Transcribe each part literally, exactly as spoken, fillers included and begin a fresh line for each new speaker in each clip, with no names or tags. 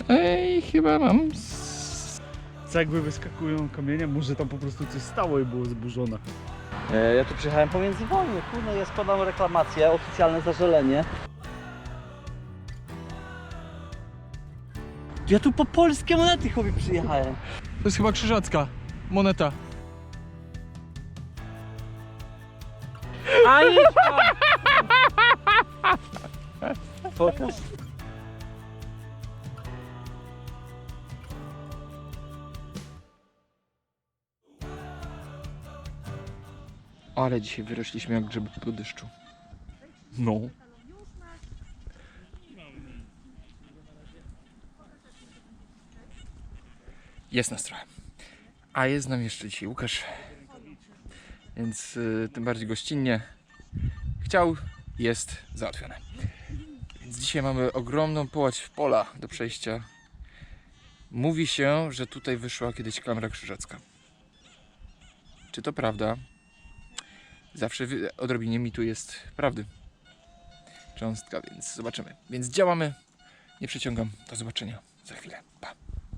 Ej, chyba mam.
Cegły wyskakują, kamienie, może tam po prostu coś stało i było zburzone.
E, ja tu przyjechałem pomiędzy wojny, kurde, ja składam reklamację, oficjalne zażalenie. Ja tu po polskie monety chłopie przyjechałem.
To jest chyba krzyżacka moneta.
A idź Pokaż.
Ale dzisiaj wyrośliśmy jak grzyby po deszczu. No. Jest nas trochę. A jest nam jeszcze dzisiaj Łukasz. Więc y, tym bardziej gościnnie. Chciał, jest załatwione. Więc dzisiaj mamy ogromną połać pola do przejścia. Mówi się, że tutaj wyszła kiedyś klamra krzyżacka. Czy to prawda? Zawsze w odrobinie mitu jest prawdy. Cząstka, więc zobaczymy. Więc działamy. Nie przeciągam. Do zobaczenia za chwilę. Pa.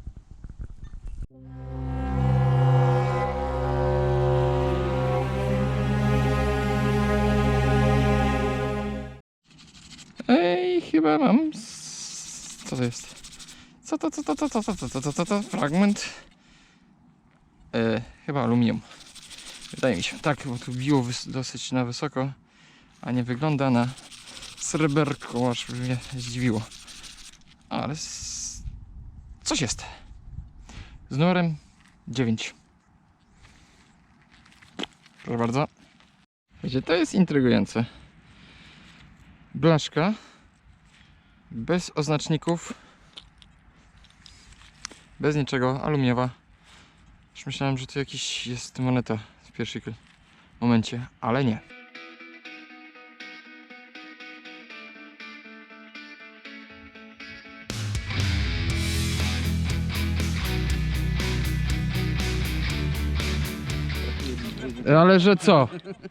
Ej, chyba mam. Co to jest? Co to, co to, co to, co to, co to, co to? Fragment. E, chyba aluminium. Wydaje mi się. Tak, bo tu biło dosyć na wysoko, a nie wygląda na sreberko, aż mnie zdziwiło. Ale z... coś jest. Z numerem dziewięć. Proszę bardzo. Wiecie, to jest intrygujące. Blaszka bez oznaczników, bez niczego, aluminiowa. Już myślałem, że to jakiś jest moneta w pierwszym momencie, ale nie. Ale że co?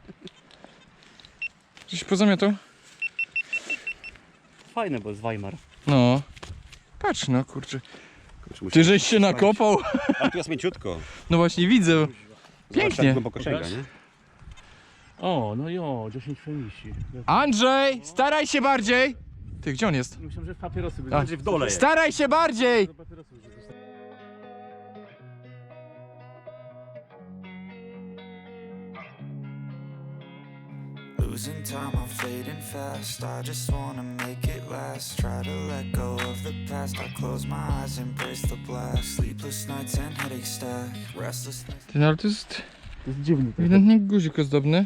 Coś pozamiatał?
Fajne, bo jest Weimar.
No. Patrz no, kurczę. Ty żeś się nakopał?
A tu jest mięciutko.
No właśnie widzę.
Zobacz,
Pięknie.
jak głęboko sięga, nie?
O, no jo, dziesięć fenici.
Andrzej, staraj się bardziej! Ty, gdzie on jest?
Myślałem, że papierosy
A,
będzie w dole.
Staraj się bardziej!
Losing time, I'm fading fast. I just wanna make it last. Try to let go of the past. I close my eyes, embrace the blast. Sleepless nights and headaches stack. Restless nights.
Ty, no ale to jest
To jest dziwny.
ewidentnie guzik ozdobny.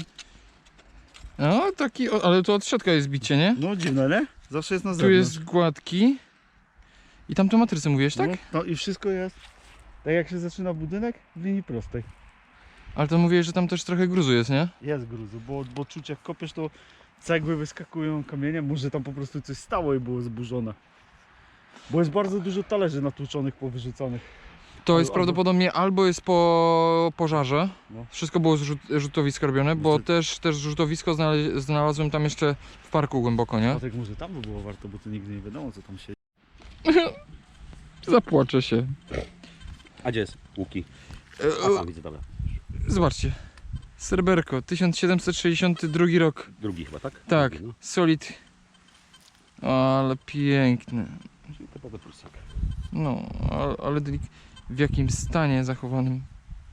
No, taki, o, ale to od środka jest bicie, nie?
No dziwne, nie? Zawsze jest na
Tu
zewnątrz.
jest gładki. I tam to matrycę mówiłeś, tak?
No, no i wszystko jest tak jak się zaczyna budynek w linii prostej.
Ale to mówiłeś, że tam też trochę gruzu jest, nie?
Jest gruzu, bo, bo czuć jak kopiesz to cegły wyskakują, kamienie, może tam po prostu coś stało i było zburzone. Bo jest bardzo dużo talerzy natłuczonych, powyrzucanych.
To jest
Albo-
prawdopodobnie albo jest po pożarze.
No.
Wszystko było z rzut, rzutowiska robione, bo
to-
też, też rzutowisko znale- znalazłem tam jeszcze w parku głęboko, nie?
A tak może tam by było warto, bo tu nigdy nie wiadomo co tam się...
Zapłaczę się.
A gdzie jest? Łuki.
E,
A tam widzę, dobra.
Zobaczcie. Sreberko, tysiąc siedemset sześćdziesiąty drugi rok.
Drugi chyba, tak?
Tak,
Drugi, no.
solid. Ale piękny.
Czyli typowy pulsak.
No, ale, ale delik- w jakim stanie zachowanym.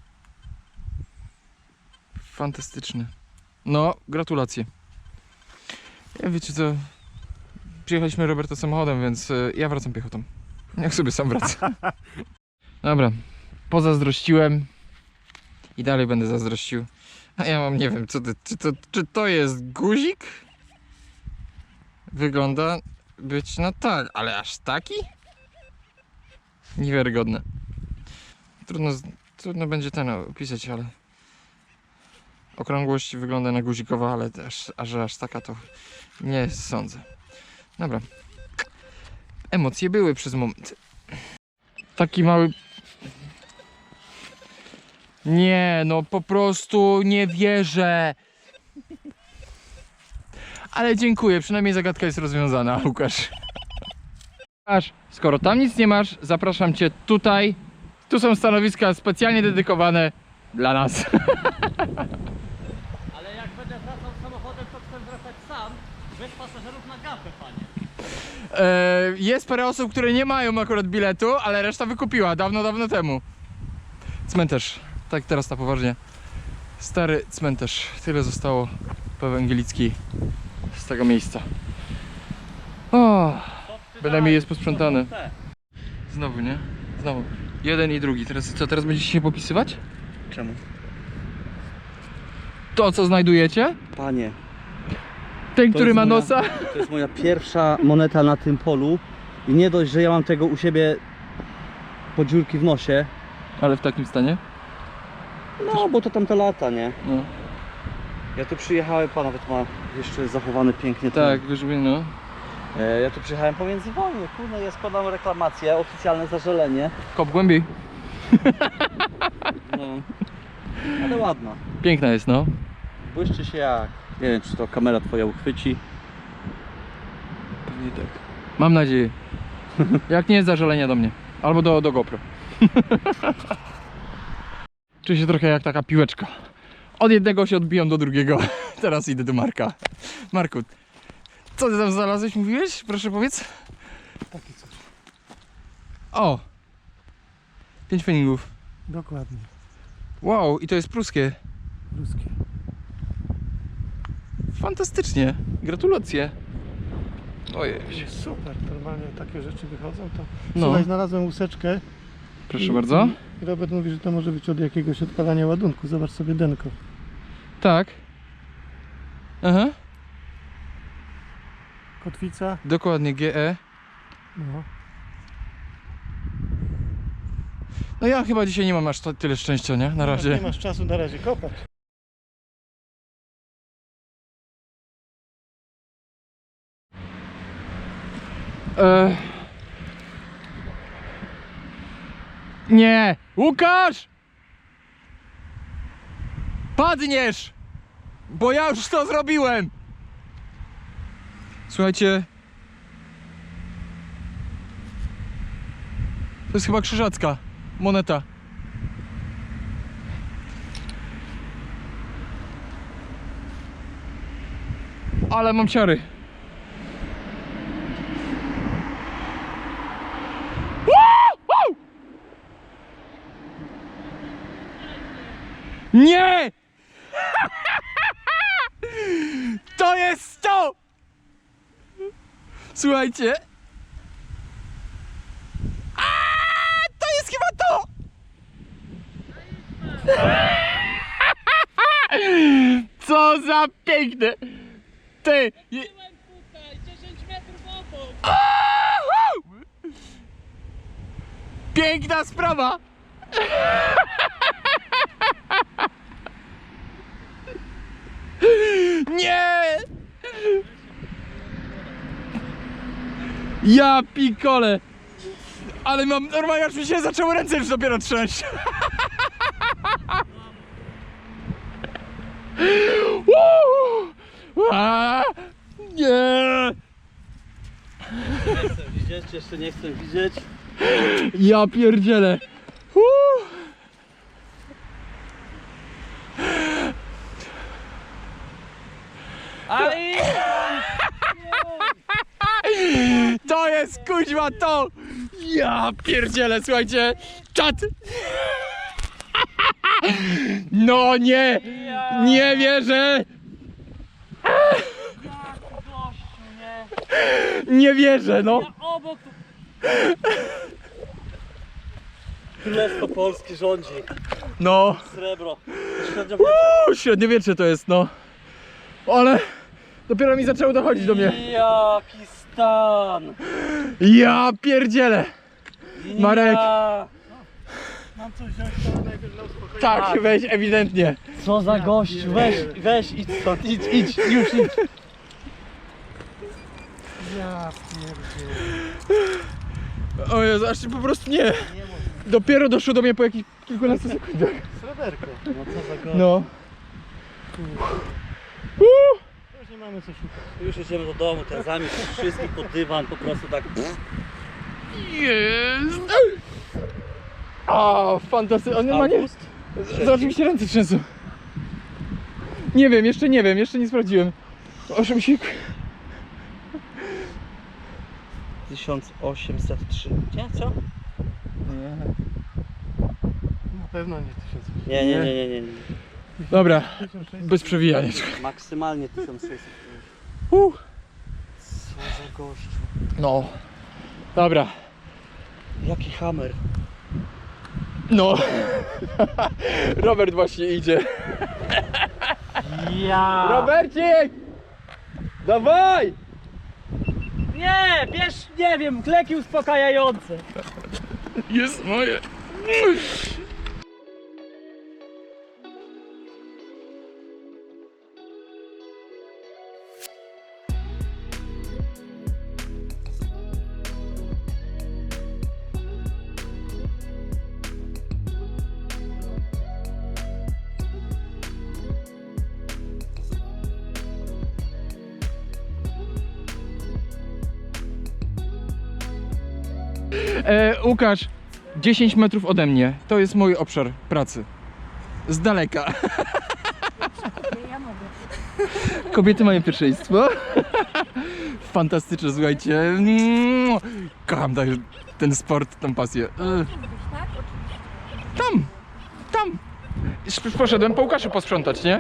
Fantastyczny. No, gratulacje. Ja wiecie co, przyjechaliśmy Roberta samochodem, więc y, ja wracam piechotą. Niech sobie sam wraca. Dobra, pozazdrościłem i dalej będę zazdrościł. A ja mam, nie wiem, co to, czy, to, czy to jest guzik? Wygląda być, no tak, ale aż taki? Niewiarygodne. Trudno, z- trudno będzie ten opisać, ale okrągłość wygląda na guzikowa, ale też, a że aż taka to nie sądzę. Dobra. Emocje były przez moment. Taki mały... Nie, no po prostu nie wierzę. Ale dziękuję, przynajmniej zagadka jest rozwiązana, Łukasz. Aż, skoro tam nic nie masz, zapraszam cię tutaj. Tu są stanowiska specjalnie dedykowane dla nas.
Ale jak będę wracał samochodem, to chcę wracać sam, bez pasażerów na gapę, panie.
E, jest parę osób, które nie mają akurat biletu, ale reszta wykupiła dawno, dawno temu. Cmentarz, tak teraz na poważnie. Stary cmentarz, tyle zostało po ewangelickiej z tego miejsca. O, bynajmniej jest posprzątane. Znowu, nie? Znowu. Jeden i drugi. Teraz co, teraz będziecie się popisywać?
Czemu?
To, co znajdujecie?
Panie,
Ten,
To
który
jest
ma
moja-
nosa?
to jest moja pierwsza moneta na tym polu i nie dość, że ja mam tego u siebie po dziurki w nosie,
Ale w takim stanie?
no bo to tamte lata, nie?
No.
Ja tu przyjechałem, pan nawet ma jeszcze zachowany pięknie ten-
Tak, wiesz, no.
E, ja tu przyjechałem pomiędzy wojny, kurde, ja składam reklamację, oficjalne zażalenie.
Kop głębiej.
No, ale ładna.
Piękna jest, no.
Błyszczy się jak, nie wiem czy to kamera twoja uchwyci.
Pewnie tak. Mam nadzieję. Jak nie, zażalenia do mnie. Albo do, do GoPro. Czuję się trochę jak taka piłeczka. Od jednego się odbijam do drugiego. Teraz idę do Marka. Marku, co ty tam znalazłeś, mówiłeś? Proszę powiedz.
Takie coś.
O! Pięć feningów.
Dokładnie.
Wow, i to jest pruskie.
Ruskie.
Fantastycznie. Gratulacje. Ojej.
Super, normalnie takie rzeczy wychodzą, to
No.
słuchaj, znalazłem łuseczkę
Proszę bardzo.
i Robert mówi, że to może być od jakiegoś odpalania ładunku. Zobacz sobie denko.
Tak. Aha.
Kotwica,
Dokładnie, G E.
no.
No ja chyba dzisiaj nie mam aż to, tyle szczęścia, nie? Na razie.
Nie masz czasu na razie kopać.
E... Nie! Łukasz! Padniesz! Bo ja już to zrobiłem! Słuchajcie. To jest chyba krzyżacka moneta. Ale mam ciary. Nie! To jest to! Słuchajcie. A, to jest chyba to! Co za piękne! Ty! je- Ahuu! Piękna sprawa! Nie! Ja pikole! Ale mam normalnie, aż mi się zaczęły ręce już dopiero trzęść. Uuu! A, nie!
Nie chcę widzieć, jeszcze nie chcę widzieć.
Ja pierdzielę. Uuu!
Ale
To jest kuźwa to! Ja pierdzielę, słuchajcie! Czat! No nie! Nie wierzę!
gościu, nie?
Nie wierzę, no!
Obok tu... Królestwo Polski rządzi.
No!
Srebro. Średniowiecze.
Uuu, średniowiecze to jest, no! Ale dopiero mi zaczęło dochodzić do mnie.
Jaki stan!
Ja pierdzielę! Marek.
Ja.
Mam coś wziąć, to najpierw dla uspokojenia.
Tak, weź ewidentnie.
Co za gość, weź, weź, idź stąd, idź, idź, już idź.
Ja pierdzielę.
O Jezu, aż po prostu nie. Dopiero doszło do mnie po jakichś kilkunastu sekundach.
Sreberko.
No co za gość.
No.
Już nie mamy co szukać.
Już idziemy do domu, ten zamiast wszystkich pod dywan, po prostu tak...
Jest! A, fantastycznie. On ma nie... Z- Oczywiście ręce trzęsą. Nie wiem, jeszcze nie wiem, jeszcze nie sprawdziłem. Aż mi się...
tysiąc osiemset trzy. Nie, co?
Nie.
Na pewno nie tysiąc.
Nie, nie, nie, nie, nie. nie.
Dobra, bez przewijania.
Maksymalnie tysiąc sześćset.
Uh.
Co za gościu.
No. Dobra.
Jaki hammer.
No. Robert właśnie idzie.
Ja.
Robercik! Dawaj!
Nie, bierz, nie wiem, kleki uspokajające.
Jest moje. E, Łukasz, dziesięć metrów ode mnie. To jest mój obszar pracy. Z daleka.
Ja mogę.
Kobiety mają pierwszeństwo. Fantastyczne, słuchajcie. Mm, Kocham ten- ten sport, tą pasję. E,
Tak?
Tam, tam. Już poszedłem po Łukaszu posprzątać, nie?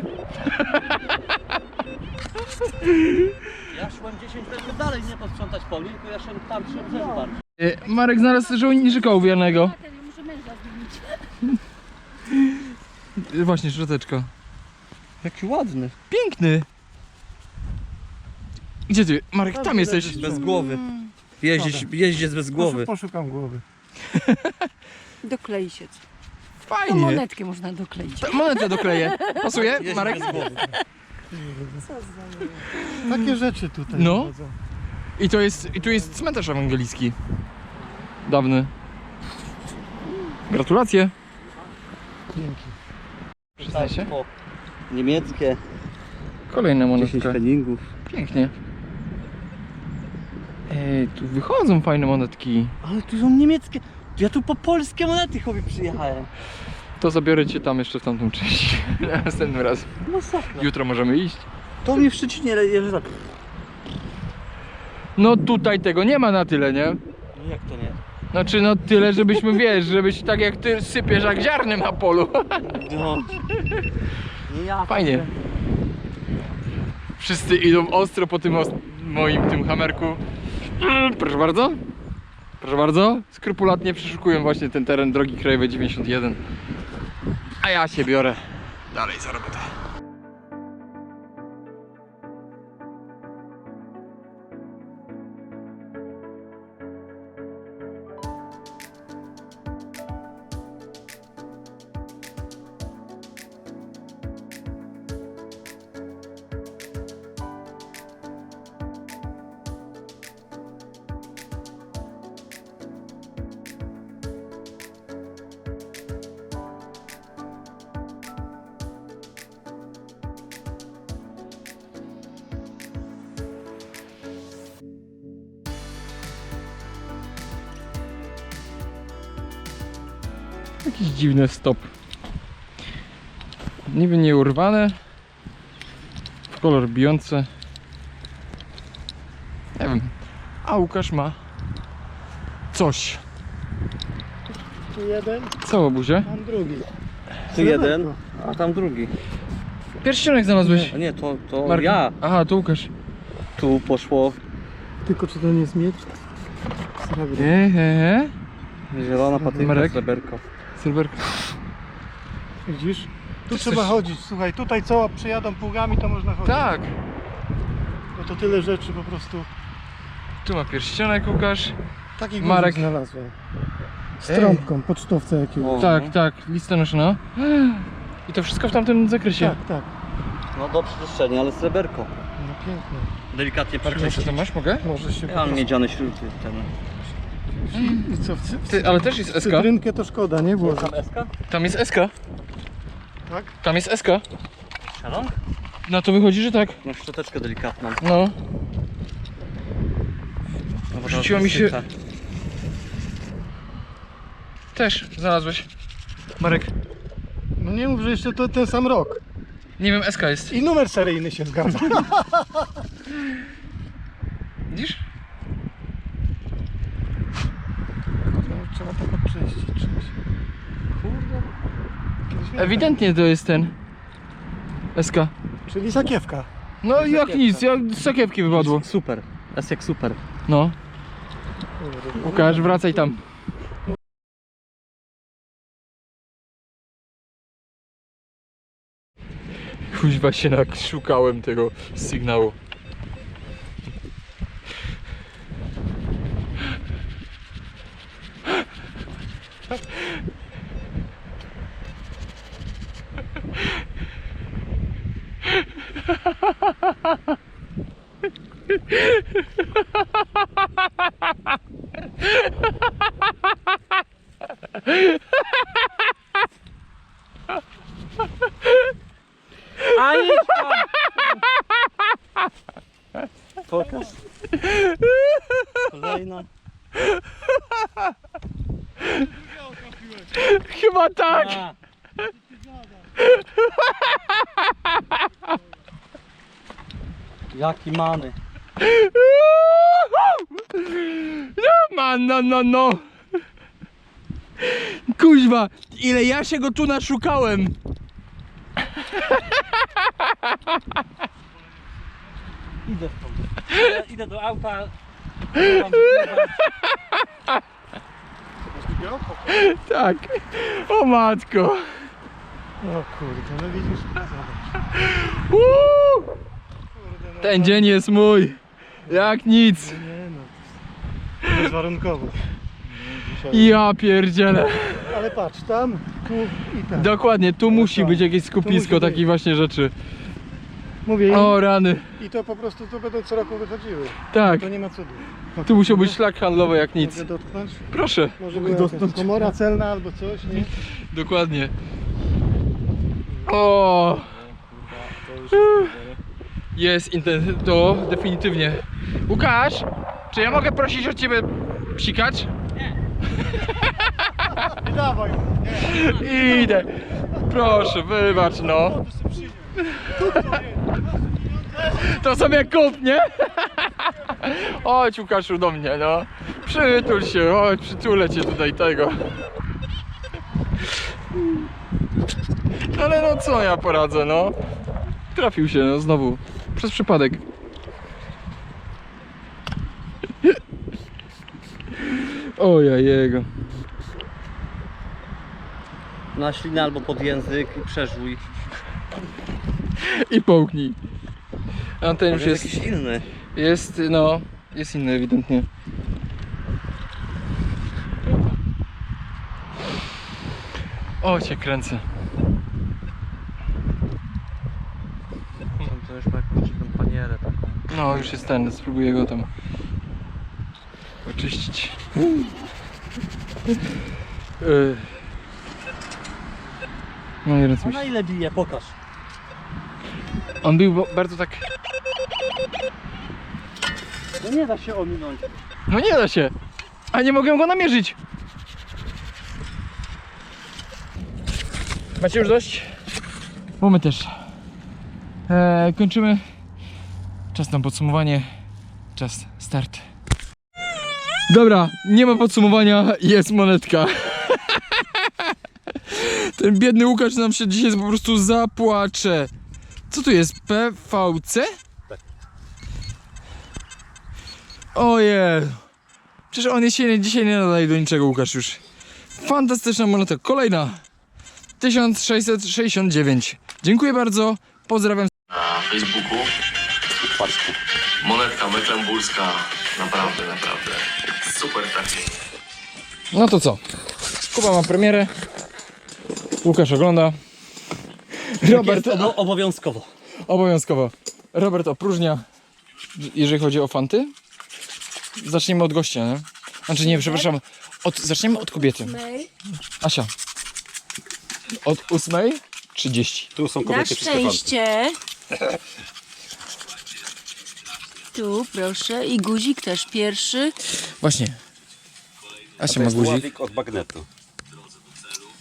Ja szłem dziesięć metrów dalej, nie posprzątać po mnie, tylko ja szłem tam przy brzegu bardziej.
E, Marek znalazł żołnierzyka owianego.
Tak, ja muszę męża zmienić.
E, Właśnie, szczoteczka.
Jaki ładny.
Piękny. Gdzie ty? Marek, tam jesteś.
Bez głowy. Jeździć, jeździec bez głowy.
Poszukam głowy.
Doklei się. To
Fajnie.
monetkę można dokleić.
Ta- Monetę dokleję. Pasuje,
Jeździec
Marek?
bez głowy.
Takie rzeczy tutaj
No.
chodzą.
I to jest, i tu jest cmentarz ewangelicki. Dawny. Gratulacje.
Dzięki.
Przyznaj się.
O, niemieckie,
Kolejna
dziesięć
monetka.
peningów.
Pięknie. Ej, tu wychodzą fajne monetki.
Ale tu są niemieckie. Ja tu po polskie monety chłopie przyjechałem.
To zabiorę cię tam jeszcze w tamtą część. Następnym razem.
Masakra.
Jutro możemy iść.
To mnie w Szczecinie jeżdża tak.
No tutaj tego nie ma na tyle, nie?
No jak to nie?
Znaczy no tyle, żebyśmy, wiesz, żebyś tak jak ty sypiesz jak ziarnem na polu.
No. Nie ja.
Fajnie. Wszyscy idą ostro po tym os- moim tym hamerku. Mm, Proszę bardzo. Proszę bardzo. Skrupulatnie przeszukują właśnie ten teren drogi krajowej dziewięćdziesiąt jeden. A ja się biorę dalej za robotę. Jakiś dziwny stop. Niby nie urwane. W kolor bijący. Nie wiem. A Łukasz ma coś.
Tu jeden,
Co, łobuzie?
tam drugi.
Tu jeden, a tam drugi.
Pierścionek znalazłeś.
A nie, to, to
Marek.
ja.
Aha, to Łukasz.
Tu poszło
Tylko czy to nie jest miecz? Srebrny.
Eee,
zielona patynka,
Marek?
sreberko.
Sylwerka.
Widzisz? Tu
Ty
trzeba
chcesz-
chodzić. Słuchaj, tutaj co przyjadą pługami, to można chodzić.
Tak.
No to tyle rzeczy po prostu.
Tu ma pierścionek Łukasz.
Taki
Marek.
guzik znalazłem. Z trąbką, pocztowca jakiegoś.
O,
Tak,
no.
tak, listonoszona. I to wszystko w tamtym zakresie.
Tak, tak.
No do przeczyszczenia, ale sreberko.
No pięknie.
Delikatnie
Proszę,
przeczyścić.
to masz, mogę?
Możesz się
Ja mam miedziane śruty ten.
I co? W, cy- w,
Ty, ale też jest
w
S K.
cytrynkę to szkoda, nie? Włożyć.
Tam eska?
Tam jest S K.
Tak?
Tam jest S K.
Szalon?
No to wychodzi, że tak.
No szczoteczkę delikatną.
No.
No, bo
Rzuciło
teraz
mi się-
wysycha.
Też znalazłeś. Marek.
No nie mów, że jeszcze to ten sam rok.
Nie wiem, S K jest.
I numer seryjny się zgadza.
Widzisz?
Trzeba to podczyścić czymś. Kurde. Kiedyś miałem
Ewidentnie to jest ten. S K.
tak. Czyli sakiewka.
No jak nic, jak z sakiewki wypadło.
Super. Jest jak super.
No. Łukasz, wracaj tam. Kuźwa się szukałem tego sygnału.
Aniczka! Pokaż. Kolejna.
Chyba tak!
A. Jaki mamy.
No man, no no no. Kuźwa, ile ja się go tu naszukałem.
Idę stąd. Idę, idę do auta. Mam
Tak. O matko.
O kurde, no widzisz. Zobacz.
Uuu,
Kurde, no,
ten dzień jest mój. Jak nic.
Nie no. Bezwarunkowo. Dzisiaj.
Ja pierdzielę.
Ale patrz, tam, tu i tam.
Dokładnie, tu musi być jakieś skupisko
musi być.
takich właśnie rzeczy.
Mówię,
O rany.
i to po prostu tu będą co roku wychodziły.
Tak.
To nie ma cudu.
Tu musiał być szlak handlowy jak nic.
Mogę dotknąć?
Proszę.
Może była jakaś komora celna albo coś, nie?
Dokładnie. O. Jest inten... to definitywnie. Łukasz, czy ja mogę prosić o ciebie psikać?
Nie dawaj!
Idę. Proszę, wybacz no. To sobie kup, nie? Chodź Łukaszu do mnie, no. Przytul się, chodź, przytulę cię tutaj tego. Ale no co ja poradzę, no. Trafił się, no znowu. Przez przypadek. Oja jego.
na ślinę albo pod język i przeżuj.
I połknij. A ten już
Może
jest,
jakiś inny.
jest, no, jest inny ewidentnie. O, cię kręcę.
To już ma jakąś tą panierę taką.
No, już jest ten, spróbuję go tam oczyścić. Yy. No nie wiem co
A
mi
na
się...
ile bije? Pokaż.
On był bo- bardzo tak...
No nie da się ominąć.
No nie da się! A nie mogę go namierzyć! Macie już dość? Mamy też. Eee, kończymy. Czas na podsumowanie. Czas start. Dobra, nie ma podsumowania, jest monetka. Ten biedny Łukasz nam się dzisiaj po prostu zapłacze. Co tu jest? P V C?
Tak.
Ojej. Przecież on się dzisiaj nie nadaje do niczego, Łukasz już. Fantastyczna moneta. Kolejna. tysiąc sześćset sześćdziesiąt dziewięć. Dziękuję bardzo. Pozdrawiam.
Na Facebooku
Parsku.
monetka mecklenburska, naprawdę, naprawdę super trafienie.
No to co? Kuba ma premierę. Łukasz ogląda. Robert
Jest obo obowiązkowo.
obowiązkowo. Robert opróżnia. Jeżeli chodzi o fanty. Zaczniemy od gościa, nie? Znaczy nie, przepraszam. Od, zaczniemy od kobiety. Asia. Od ósmej trzydzieści.
Tu są
Na
kobiety wszystkie fanty.
szczęście. Tu proszę i guzik też pierwszy.
Właśnie.
A
Asia
to
ma
jest
guzik.
ławik od magnetu.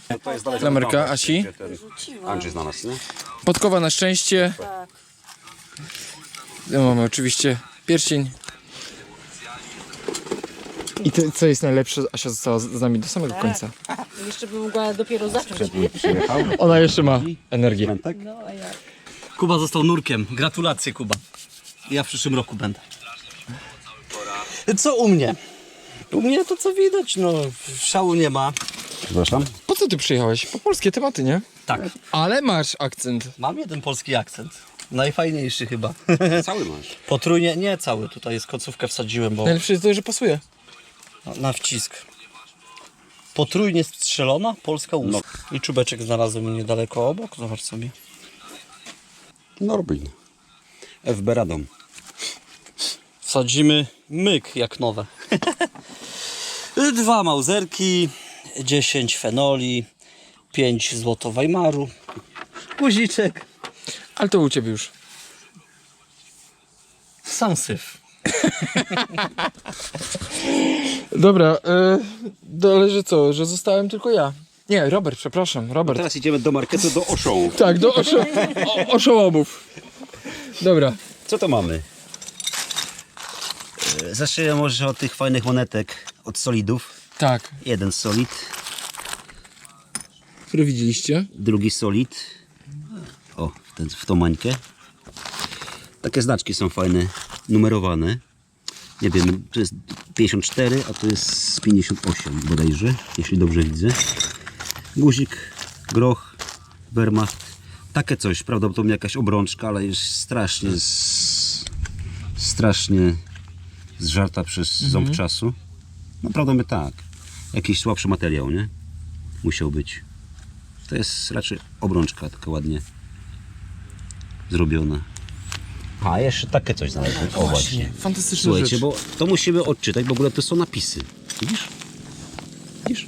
To jest dalej
Klamerka Asi.
Andrzej znalazł, nie?
Podkowa na szczęście. No, mamy oczywiście pierścień. I to, co jest najlepsze, Asia została z z nami do samego końca.
Jeszcze bym mogła dopiero zacząć.
Przyjechał.
Ona jeszcze ma energię.
Mentek?
Kuba został nurkiem. Gratulacje, Kuba. Ja w przyszłym roku będę. Co u mnie? U mnie to co widać, no szału nie ma.
Przepraszam.
Po co ty przyjechałeś? Po polskie tematy, nie?
Tak,
Ale masz akcent.
mam jeden polski akcent. Najfajniejszy chyba.
Cały masz.
Potrójnie, nie cały, tutaj jest końcówkę wsadziłem, bo
Najlepsze jest to, że pasuje.
na, na wcisk. Potrójnie strzelona, polska łuska. I czubeczek znalazłem niedaleko obok, zobacz sobie.
Norbin. F B Radom.
Wsadzimy myk jak nowe. Dwa mauzerki, dziesięć fenoli, pięć złoto Weimaru, guziczek,
Ale to u ciebie już.
sansyf.
Dobra, yy, ale że co, że zostałem tylko ja. Nie, Robert, przepraszam, Robert.
Teraz idziemy do marketu, do Oszą.
Tak, do oszo o, oszołomów. Dobra.
Co to mamy?
Zacznę może od tych fajnych monetek, od solidów.
Tak,
Jeden solid,
które widzieliście.
drugi solid. O, w, ten, w tą mańkę. Takie znaczki są fajne, numerowane. Nie wiem, to jest pięćdziesiąt cztery, a to jest pięćdziesiąt osiem bodajże, jeśli dobrze widzę. Guzik, groch, Wehrmacht. Takie coś, prawdopodobnie jakaś obrączka, ale jest strasznie, z, strasznie zżarta przez ząb czasu. No prawdopodobnie tak. Jakiś słabszy materiał, nie? Musiał być. To jest raczej obrączka, taka ładnie zrobiona. A, jeszcze takie coś znalazłem. O właśnie.
Fantastyczna
Słuchajcie,
rzecz.
bo to musimy odczytać, bo w ogóle to są napisy. Widzisz? Widzisz?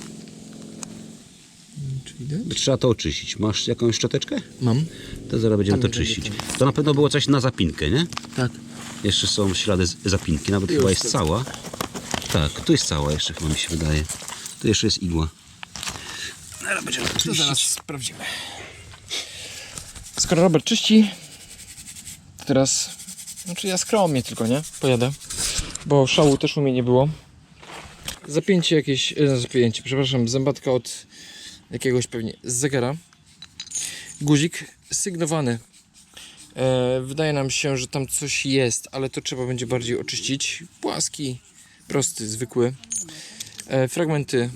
Czy widać?
Trzeba to oczyścić. Masz jakąś szczoteczkę?
Mam.
To zaraz będziemy
Tam
to
będzie
czyścić. To na pewno było coś na zapinkę, nie?
Tak.
Jeszcze są ślady z zapinki, nawet chyba jest cała. Tak, tu jest cała jeszcze chyba mi się wydaje. Tu jeszcze jest igła. Zaraz będziemy to
To
czyścić.
zaraz sprawdzimy. Skoro Robert czyści, to teraz, znaczy ja skromnie tylko, nie? Pojadę, bo szału też u mnie nie było. Zapięcie jakieś, e, zapięcie, przepraszam, zębatka od jakiegoś pewnie z zegara. Guzik sygnowany. E, wydaje nam się, że tam coś jest, ale to trzeba będzie bardziej oczyścić. Płaski, prosty, zwykły. E, fragmenty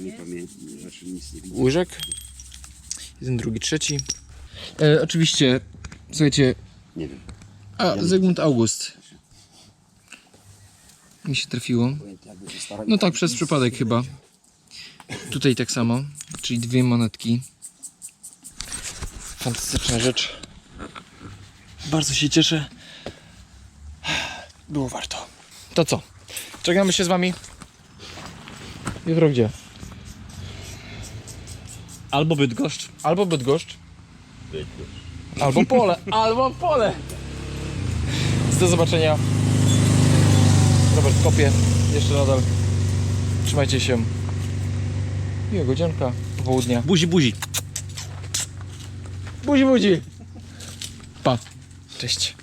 łyżek. Jeden, drugi, trzeci. E, oczywiście, słuchajcie,
Nie wiem.
a Zygmunt August. Mi się trafiło. No tak, przez przypadek chyba. Tutaj tak samo, czyli dwie monetki. Fantastyczna rzecz. Bardzo się cieszę. Było warto. To co? Czekamy się z wami. Jutro gdzie?
Albo Bydgoszcz.
Albo Bydgoszcz. Albo pole. Albo pole. Do zobaczenia. Robert kopie. Jeszcze nadal. Trzymajcie się. Miłego dzienka. Popołudnia.
Buzi, buzi.
Buzi, buzi. Pa. Cześć.